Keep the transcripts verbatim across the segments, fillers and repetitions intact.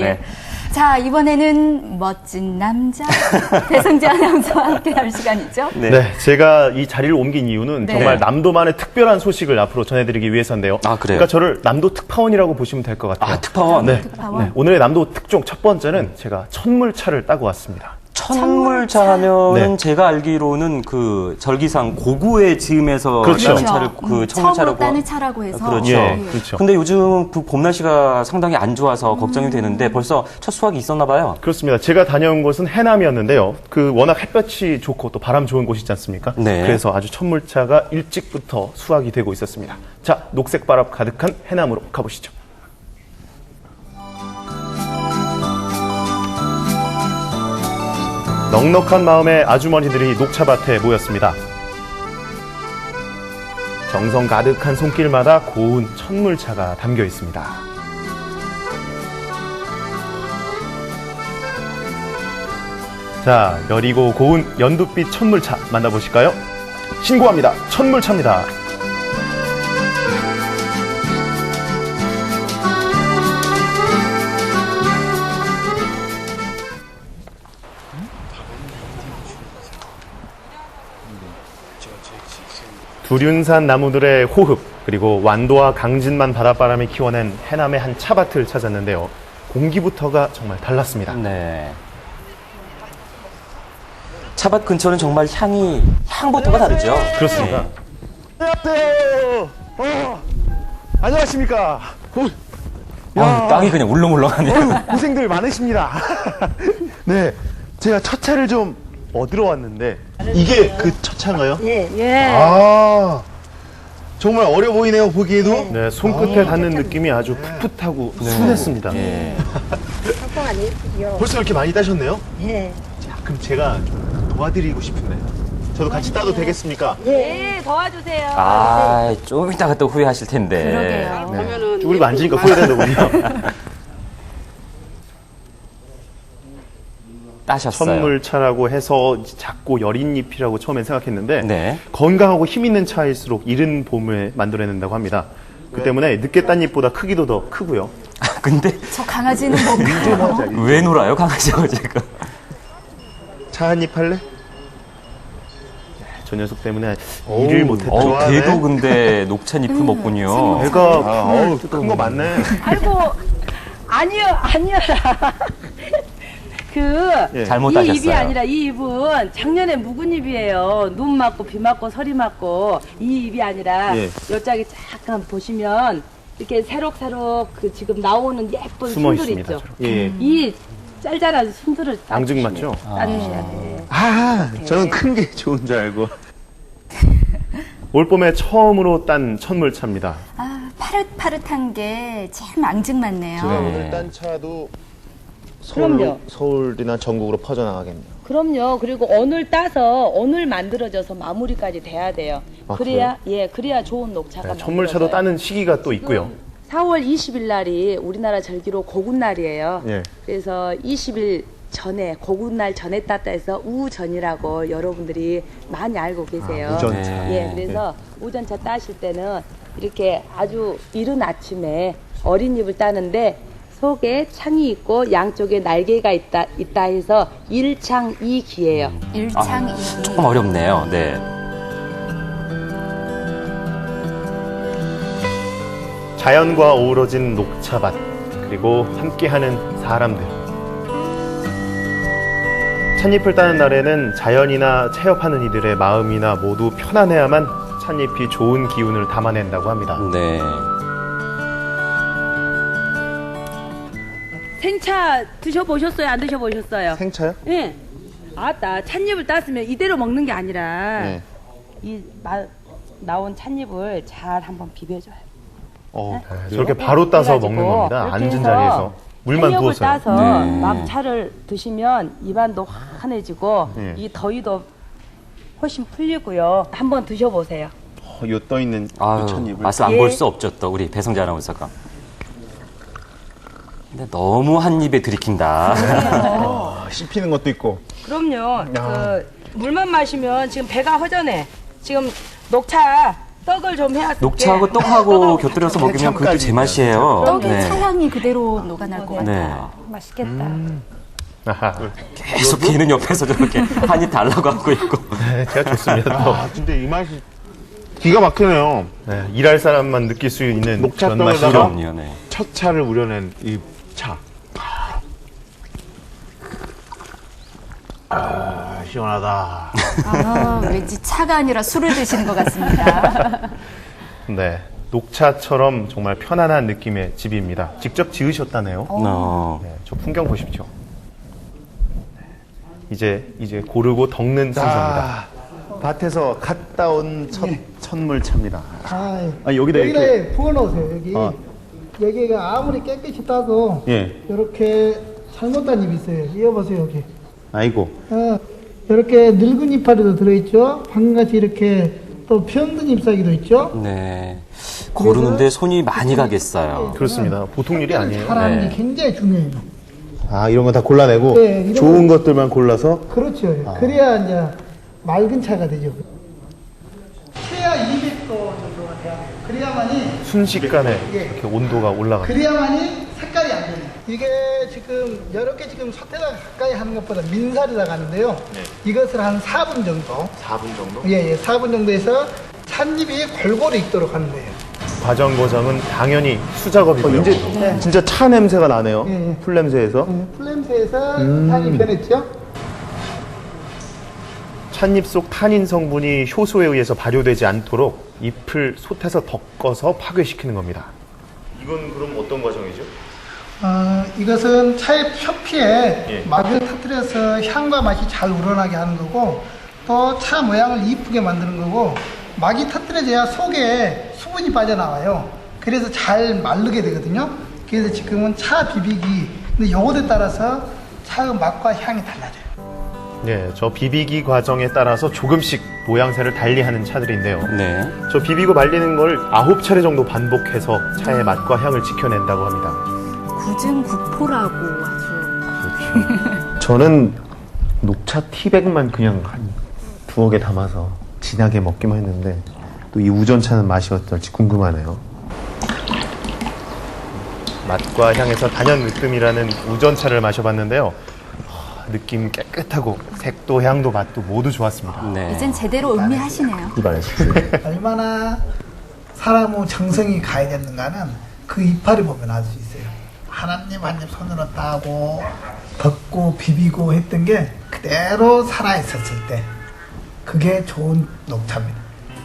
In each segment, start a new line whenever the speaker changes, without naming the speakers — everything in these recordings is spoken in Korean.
네.
자, 이번에는 멋진 남자 배성재 아나운서와 함께할 시간이죠.
네. 네, 제가 이 자리를 옮긴 이유는
네.
정말 남도만의 특별한 소식을 앞으로 전해드리기 위해서인데요.
아, 그래요?
그러니까 저를 남도 특파원이라고 보시면 될 것 같아요.
아, 특파원?
네.
특파원?
네. 오늘의 남도 특종 첫 번째는 제가 천물차를 따고 왔습니다.
천물차 하면은
네.
제가 알기로는 그 절기상 고구의 즈음에서
그렇죠.
따는 차를 그
음,
천물차라고
처음으로 따는 차라고 해서.
그렇죠.
예, 그렇죠.
근데 요즘 그 봄 날씨가 상당히 안 좋아서 걱정이 되는데 벌써 첫 수확이 있었나 봐요.
그렇습니다. 제가 다녀온 곳은 해남이었는데요. 그 워낙 햇볕이 좋고 또 바람 좋은 곳이지 않습니까?
네.
그래서 아주 천물차가 일찍부터 수확이 되고 있었습니다. 자, 녹색 바람 가득한 해남으로 가보시죠. 넉넉한 마음의 아주머니들이 녹차밭에 모였습니다. 정성 가득한 손길마다 고운 천물차가 담겨 있습니다. 자, 여리고 고운 연두빛 천물차 만나보실까요? 신고합니다. 천물차입니다. 두륜산 나무들의 호흡, 그리고 완도와 강진만 바닷바람이 키워낸 해남의 한 차밭을 찾았는데요. 공기부터가 정말 달랐습니다.
네. 차밭 근처는 정말 향이 향부터가 다르죠.
그렇습니다.
네.
안녕하세요. 어, 안녕하십니까. 어,
아, 땅이 그냥 울렁울렁하네요.
어휴, 고생들 많으십니다. 네, 제가 첫 차를 좀
얻으러 왔는데
이게 그 첫 차인가요?
예, 예.
아, 정말 어려 보이네요, 보기에도.
네, 손끝에 닿는 느낌이 아주 풋풋하고 순했습니다.
예.
걱정 안 해주시오.
벌써 이렇게 많이 따셨네요?
예.
자, 그럼 제가 좀 도와드리고 싶은데. 저도 같이 따도 되겠습니까?
예, 도와주세요.
아, 좀 이따가 또 후회하실 텐데.
그러게요.
보면은
쭈그리고 앉으니까 후회되더군요.
따셨어요.
천물차라고 해서 작고 여린 잎이라고 처음엔 생각했는데
네.
건강하고 힘 있는 차일수록 이른 봄을 만들어낸다고 합니다. 그 때문에 늦게 딴 잎보다 크기도 더 크고요.
아, 근데
저 강아지는 뭔가요?
왜 놀아요, 강아지하고 지금?
차 한 입 할래? 네, 저 녀석 때문에 일을 못했죠.
어,
좋아하네.
걔도 근데 녹차잎을 먹군요.
배가
아, 어우, 큰 거 많네.
아이고, 아니요, 아니요라. 그,
예.
잘못
이
따셨어요.
잎이 아니라 이 잎은 작년에 묵은 잎이에요. 눈 맞고 비 맞고 서리 맞고 이 잎이 아니라
예.
요짝에 잠깐 보시면 이렇게 새록새록 그 지금 나오는 예쁜
숨어
순들
있습니다.
있죠.
저렇게. 예.
이 짤짤한 순들을
앙증
따주시면-
맞죠?
따주셔야 돼요.
아, 저는 큰 게 좋은 줄 알고.
올봄에 처음으로 딴 천물차입니다.
아, 파릇파릇한 게 참 앙증맞네요.
네.
오늘 딴 차도
그럼요.
서울, 서울이나 전국으로 퍼져나가겠네요.
그럼요. 그리고 오늘 따서 오늘 만들어져서 마무리까지 돼야 돼요.
아,
그래야 예, 그래야 좋은 녹차가
네, 천물차도
만들어져요.
따는 시기가 또 있고요.
사월 이십일 날이 우리나라 절기로 고군날이에요.
예.
그래서 이십 일 전에 고군날 전에 땄다 해서 우전이라고 여러분들이 많이 알고 계세요.
아, 우전차.
예, 그래서 우전차 따실 때는 이렇게 아주 이른 아침에 어린 잎을 따는데 속에 창이 있고 양쪽에 날개가 있다 있다 해서 일창이기예요.
일창이.
조금 어렵네요. 네.
자연과 어우러진 녹차밭, 그리고 함께하는 사람들. 찻잎을 따는 날에는 자연이나 체험하는 이들의 마음이나 모두 편안해야만 찻잎이 좋은 기운을 담아낸다고 합니다.
네.
생차 드셔보셨어요? 안 드셔보셨어요?
생차요?
예. 아따, 찻잎을 땄으면 이대로 먹는 게 아니라
네.
이 마, 나온 찻잎을 잘 한번 비벼줘요.
어,
저렇게 바로 따서
그래가지고
먹는 겁니다.
이렇게
앉은
해서
자리에서 물만
찻잎을
부어서요.
따서
네.
막 차를 드시면 입안도 환해지고
네.
이 더위도 훨씬 풀리고요. 한번 드셔보세요.
어, 요 떠있는
아유,
찻잎을.
맛을 안
예.
볼 수 없죠, 또 우리 배성재 아나운서가. 근데 너무 한 입에 들이킨다.
아, 씹히는 것도 있고.
그럼요. 그 물만 마시면 지금 배가 허전해. 지금 녹차 떡을 좀 해야
녹차하고 떡하고 곁들여서 먹으면 그것도 제맛이에요.
떡에
네.
차향이 그대로 녹아날 것
네.
같아요.
맛있겠다.
아하.
계속 개는 옆에서 저렇게 한입 달라고 하고 있고.
네, 제가 좋습니다. 또.
아, 진짜 이 맛이 기가 막히네요.
네, 일할 사람만 느낄 수 있는
녹차
그런
떡에다가
맛이죠.
그럼요, 네.
첫 차를 우려낸 이 차. 아, 시원하다.
아, 왠지 차가 아니라 술을 드시는 것 같습니다.
네, 녹차처럼 정말 편안한 느낌의 집입니다. 직접 지으셨다네요.
어.
네, 저 풍경 보십시오. 네, 이제 이제 고르고 덕는 순서입니다.
밭에서 갓 따온 첫 천물차입니다.
아,
아, 여기다
여기다
이렇게.
부어놓으세요. 여기
어.
여기가 아무리 깨끗이 따도
예.
이렇게 잘못된 잎이 있어요. 이어보세요 여기.
아이고.
어, 이렇게 늙은 이파리도 들어있죠. 방금같이 이렇게 또 병든 잎사귀도 있죠.
네. 고르는데 손이 많이 가겠어요.
그렇습니다. 보통 일이 아니에요.
사람이
네.
굉장히 중요해요.
아, 이런 거 다 골라내고
네, 이런
좋은 것들만 골라서
그렇죠. 그래야 이제 맑은 차가 되죠. 최하 이백 도 정도가 돼야 돼요. 그래야만이
순식간에
예.
이렇게 온도가 올라갑니다.
그래야만이 색깔이 안 변해요. 이게 지금 이렇게 지금 솥에다 가까이 하는 것보다 민살이라고 하는데요. 이것을 한 사 분 정도.
사 분 정도?
예, 예, 사 분 정도에서 찻잎이 골고루 익도록 하는 거예요.
과정 과정은 당연히 수작업이고요.
어, 이제 진짜 차 냄새가 나네요.
예, 예.
풀 냄새에서.
예, 풀냄새에서 향이 변했죠.
찻잎 속 타닌 성분이 효소에 의해서 발효되지 않도록 잎을 솥에서 덮어서 파괴시키는 겁니다. 이건 그럼 어떤 과정이죠?
어, 이것은 차의 표피에
예.
막을 터뜨려서 향과 맛이 잘 우러나게 하는 거고 또 차 모양을 이쁘게 만드는 거고 막이 터뜨려져야 속에 수분이 빠져나와요. 그래서 잘 마르게 되거든요. 그래서 지금은 차 비비기. 근데 요거에 따라서 차의 맛과 향이 달라져요.
네, 저 비비기 과정에 따라서 조금씩 모양새를 달리하는 차들인데요.
네.
저 비비고 말리는 걸 아홉 차례 정도 반복해서 차의 맛과 향을 지켜낸다고 합니다.
구중구포라고 아주.
저는 녹차 티백만 그냥 한 두어 개 담아서 진하게 먹기만 했는데 또 이 우전차는 맛이 어떨지 궁금하네요.
맛과 향에서 단연 으뜸이라는 우전차를 마셔봤는데요. 하, 느낌 깨끗하고 색도 향도 맛도 모두 좋았습니다.
네.
이젠 제대로 음미하시네요.
입안에서.
얼마나 사람의 정성이 가해졌는가는 그 이파리 보면 알 수 있어요. 하나님 한 입 손으로 따고 덮고 비비고 했던 게 그대로 살아있었을 때 그게 좋은 녹차입니다.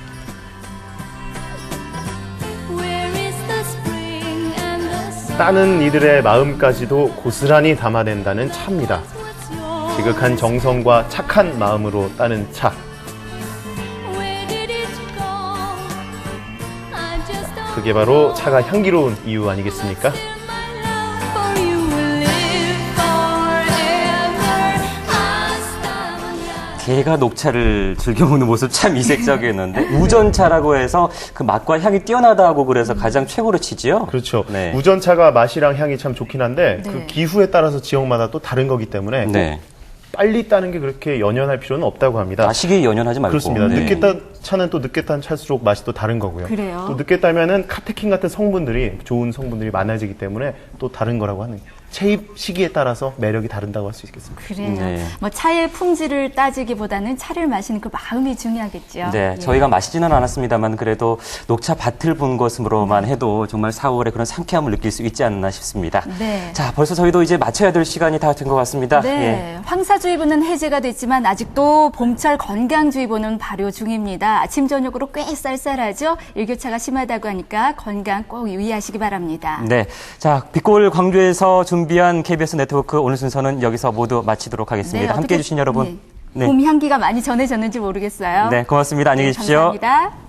따는 이들의 마음까지도 고스란히 담아낸다는 차입니다. 지극한 정성과 착한 마음으로 따는 차. 그게 바로 차가 향기로운 이유 아니겠습니까?
개가 녹차를 즐겨 먹는 모습 참 이색적이었는데 우전차라고 해서 그 맛과 향이 뛰어나다고 그래서 가장 최고로 치지요.
그렇죠.
네.
우전차가 맛이랑 향이 참 좋긴 한데
네.
그 기후에 따라서 지역마다 또 다른 거기 때문에
네.
빨리 따는 게 그렇게 연연할 필요는 없다고 합니다.
아, 시기에 연연하지 말고.
그렇습니다.
네.
늦게 딴 차는 또 늦게 딴 차일수록 맛이 또 다른 거고요.
그래요?
또 늦게 따면은 카테킨 같은 성분들이 좋은 성분들이 많아지기 때문에 또 다른 거라고 하는 체입 시기에 따라서 매력이 다른다고 할 수 있겠습니다.
그래요.
네.
뭐 차의 품질을 따지기보다는 차를 마시는 그 마음이 중요하겠죠.
네,
예.
저희가 마시지는 않았습니다만 그래도 녹차 밭을 본 것으로만 해도 정말 사월에 그런 상쾌함을 느낄 수 있지 않나 싶습니다.
네.
자, 벌써 저희도 이제 마쳐야 될 시간이 다 된 것 같습니다.
네,
예.
황사주의보는 해제가 됐지만 아직도 봄철 건강주의보는 발효 중입니다. 아침 저녁으로 꽤 쌀쌀하죠. 일교차가 심하다고 하니까 건강 꼭 유의하시기 바랍니다.
네, 자, 빛골 광주에서 준비한 케이비에스 네트워크 오늘 순서는 여기서 모두 마치도록 하겠습니다. 함께해 주신 여러분.
네. 봄 향기가 많이 전해졌는지 모르겠어요.
네, 고맙습니다. 안녕히
네,
계십시오.
감사합니다.